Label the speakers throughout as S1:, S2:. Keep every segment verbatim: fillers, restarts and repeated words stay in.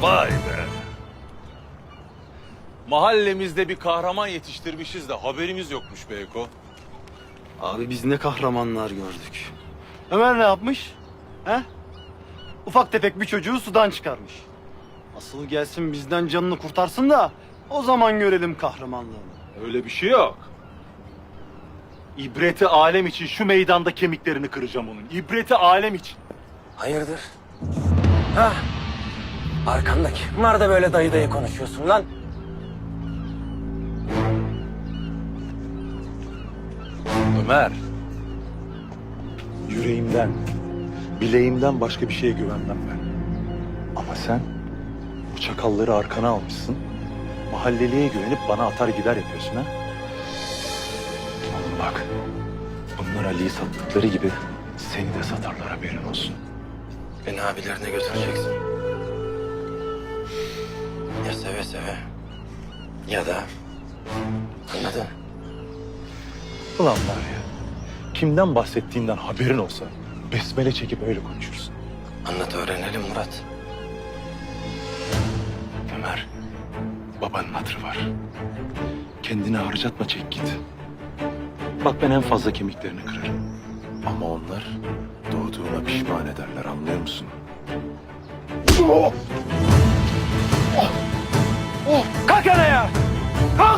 S1: Vay be. Mahallemizde bir kahraman yetiştirmişiz de haberimiz yokmuş be Eko.
S2: Abi biz ne kahramanlar gördük. Ömer ne yapmış? He? Ufak tefek bir çocuğu sudan çıkarmış. Asıl gelsin bizden canını kurtarsın da o zaman görelim kahramanlığını.
S3: Öyle bir şey yok. İbreti alem için şu meydanda kemiklerini kıracağım onun. İbreti alem için.
S4: Hayırdır? Ha? Arkandaki. Bunlar da böyle dayı dayı konuşuyorsun lan.
S3: Ömer. Yüreğimden, bileğimden başka bir şeye güvenmem ben. Ama sen bu çakalları arkana almışsın. Mahalleliye güvenip bana atar gider yapıyorsun ha. Oğlum bak, bunlar Ali'yi sattıkları gibi seni de satarlar, haberin olsun.
S4: Beni abilerine götüreceksin. Ya seve seve. Ya da... Anladın?
S3: Ulan var ya, kimden bahsettiğinden haberin olsa besmele çekip öyle konuşursun.
S4: Anlat öğrenelim Murat.
S3: Ömer, babanın hatırı var. Kendini harcatma, çek git. Bak ben en fazla kemiklerini kırarım. Ama onlar doğduğuna pişman ederler, anlıyor musun?
S2: Kalk ya! Kalk!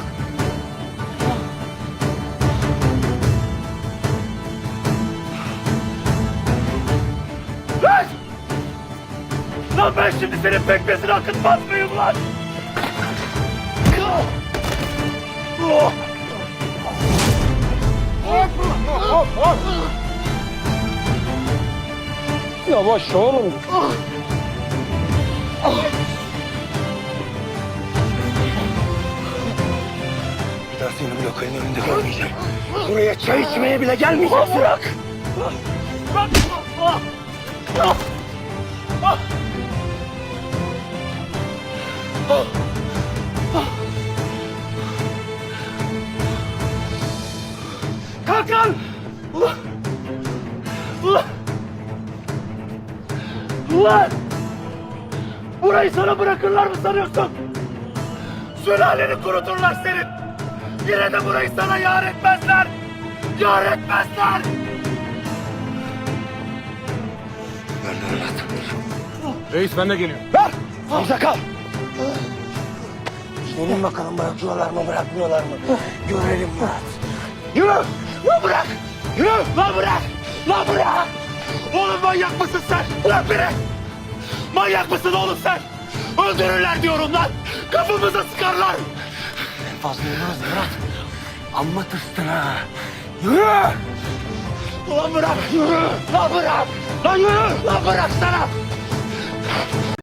S2: Lan! Lan ben şimdi senin pekmezini akıtmaz mıyım lan? Yavaş oğlum.
S4: Bir daha seni bu lokalin önünde görmeyeceğim. Buraya çay içmeye bile gelmeyeceksin.
S2: Bırak! Bırak! Ah! Ah! Ah! Kalk lan! Ulan! Ulan! Ulan! Burayı sana bırakırlar mı sanıyorsun? Sülaleni kuruturlar senin! Yine de burayı sana yar etmezler! Yar etmezler!
S4: Ömer Murat.
S3: Reis ben de geliyorum.
S4: Ver! Hamza kal! Gelin bakalım bırakıyorlar mı bırakmıyorlar mı? Görelim Murat.
S2: Yürü! Lan bırak! Yürü! Lan bırak! Lan bırak! Oğlum manyak mısın sen? Bırak beni! Manyak mısın oğlum sen? Öldürürler diyorum lan! Kafamıza sıkarlar!
S4: En fazla yürümez Murat. Amma tırstın ha.
S2: Yürü! Ulan bırak! Yürü! Lan bırak! Lan yürü! Lan bırak sana!